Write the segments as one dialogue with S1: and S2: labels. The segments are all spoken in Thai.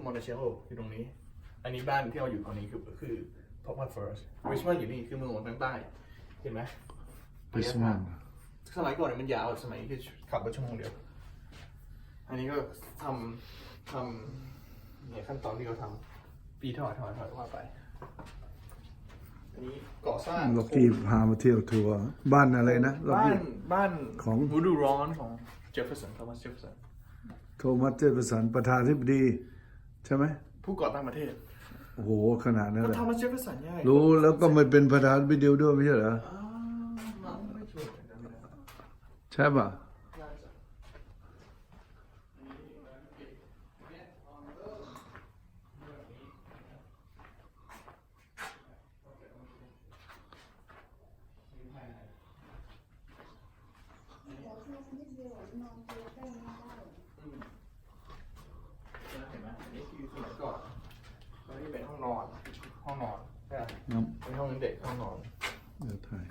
S1: คือมอนเตเชโลอยู่ตรงนี้อันนี้บ้านที่เราอยู่ตอนนี้คือพอปเฟิร์สริชมอนด์อยู่นี่คือเมืองหลวงทางใต้เห็นไหมริชมอนด์สมัยก่อนเนี่ยมันยาวสมัยคือขับรถชั่วโมงเดียวอันนี้ก็ทำเนี่ยขั้นตอนที่เขาทำปีถอยว่าไปอันนี้ก่อสร้าง
S2: ล็อกกี้พามาเที่ยวทัวร์บ้านอะไรนะ
S1: บ้าน
S2: ของ
S1: ฤดูร้อนของเจฟเฟอร์สันโทมัสเจฟเฟอร์สัน
S2: ประธานาธิบดีใช่ไหม
S1: ผู้ก่อตั้งประเทศ
S2: โอ้โหขนาดนั้นเลย
S1: โทมัสเจฟเฟอร์สันใช่
S2: รู้แล้วก็มันเป็นประธานาธิบดีด้วยไม่ใช่เหรอใช่ป่ะ
S1: เห็นไหมอันนี้คือสมัยก่อนอันนี้เป็นห้องนอนใช่ไหมเป็นห้องเด็กห้องนอน
S2: เดี๋ยวถ่าย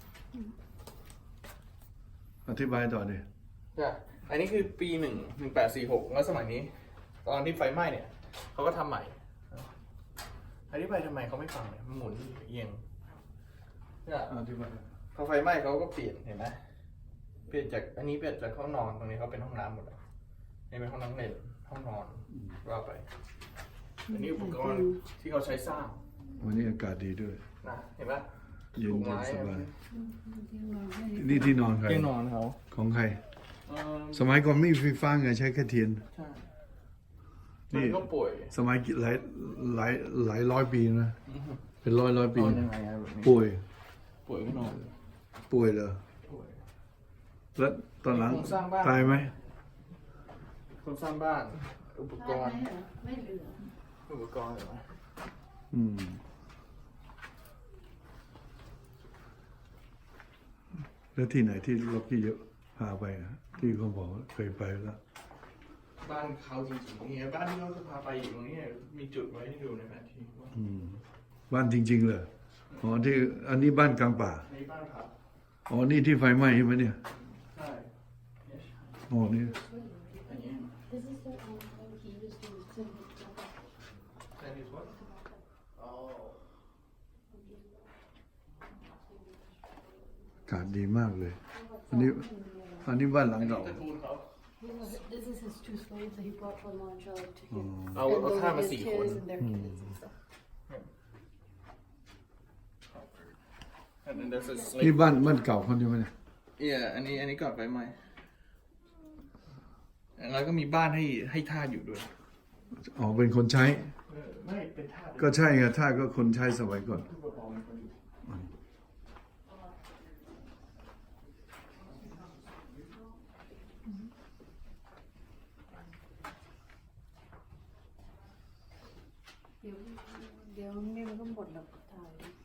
S2: อธิบายต่อดิ
S1: ใช่อันนี้คือปี1846แล้วสมัยนี้ตอนที่ไฟไหม้เนี่ยเขาก็ทำใหม่อธิบายทำไมเขาไม่ฟังเนี่ยมันหมุนเอียงใช่
S2: อธิบาย
S1: พอไฟไหม้เขาก็เปลี่ยนเห็นไหมเปลี่ยนจากอันนี้เปลี่ยนจากห้องนอนตรงนี้เขาเป็นห้องน้ำหมดเลยนี่เป็นห้องน้ำเล่นห้องนอนว่าไปอันนี้อุปกรณ์ที่เขาใช้สร้าง
S2: วันนี้อากาศดีด้วย
S1: นะเห็นไหม
S2: เย็นสบายนี่ที่นอนใคร
S1: ที่นอนเขา
S2: ของใครสมัยก่อนไม่มีไฟฟ้าไงใช้แค่เทียน
S1: ใช่นี่ก็ป่วย
S2: สมัยหลายร้อยปีนะเป็นร้อยปีป่วย
S1: ก็นอน
S2: ป่วยเหรอแล้วตอนหลังตายไหม
S1: คนสร้างบ้านอุปกรณ์
S3: ไม่เหลือ
S1: อุปกรณ์เหรอ
S2: แล้วที่ไหนที่ล็อกกี้เยอะพาไปนะที่เขาบอกเคยไปแล้ว
S1: บ้านเขาจริงๆเนี่ยบ้านที่เขาจะพาไปอยู่ตรงนี้มีจุดไว้ให้ดูในแผนที่
S2: บ้านจริงๆเลยอ๋อที่อันนี้บ้านกลางป่า
S1: ในบ้านครับ
S2: อ๋อนี่ที่ไฟไหม้ใช่ไหมเนี่ย
S1: ใช่
S2: อ๋อนี่อากาศดีมากเลยอันนี้บ้านหลังเก่า
S3: This is his two slaves that he brought from Montreal to here.
S1: เอาข้ามา4 คน
S2: นี่บ้านเก่าคนใช่ไหม
S1: เนี่ยอันนี้ก่อนไฟไหม้แล้วก็มีบ้านให้ทาสอยู่ด้วย
S2: อ๋อเป็นคนใช้
S1: ไม่เป็นทาส
S2: ก็ใช่ไงทาสก็คนใช้สมัยก่อน
S3: เดี๋ยวนี่มันก็หมดแล้วถ่าย